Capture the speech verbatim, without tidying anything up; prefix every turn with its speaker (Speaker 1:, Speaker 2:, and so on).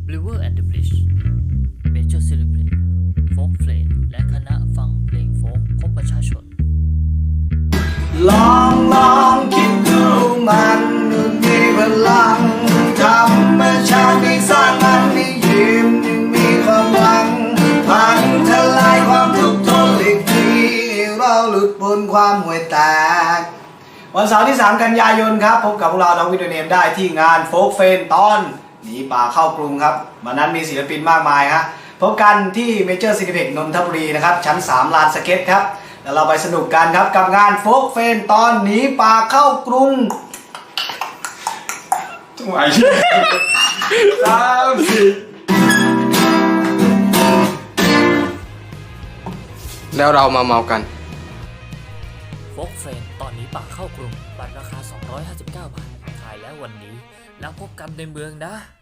Speaker 1: River and the Bridge Major Celebrate Folkเพลงและคณะฟังเพลงโฟกพบประชาชน
Speaker 2: ลองลองคิดดูมันมีพลังธรรมชาติที่สร้างมันให้ยิ้มยังมีความหวังพังทลายความทุกข์ทนอีกทีเราหลุดพ้นความห่วยแตกวันเสาร์ที่สามกันยายนครับพบกับพวกเราน้องวิดีโอเนมได้ที่งานโฟกเฟนตอนหนีป่าเข้ากรุงครับวันนั้นมีศิลปินมากมายฮะพบกันที่เมเจอร์ซินิเพ็กนนทบุรีนะครับชั้นสามลานสเก็ตครับแล้วเราไปสนุกกันครับกับงานโฟกเฟนตอนหนีป่าเข้ากรุงจังหวะยี่สามสี่
Speaker 3: แล้วเรามาเมากัน
Speaker 1: โฟกเฟรนตอนนี้ป่าเข้ากรุงบัตรราคาสองร้อยห้าสิบเก้าบาทขายแล้ววันนี้แล้วพบกันในเมืองนะ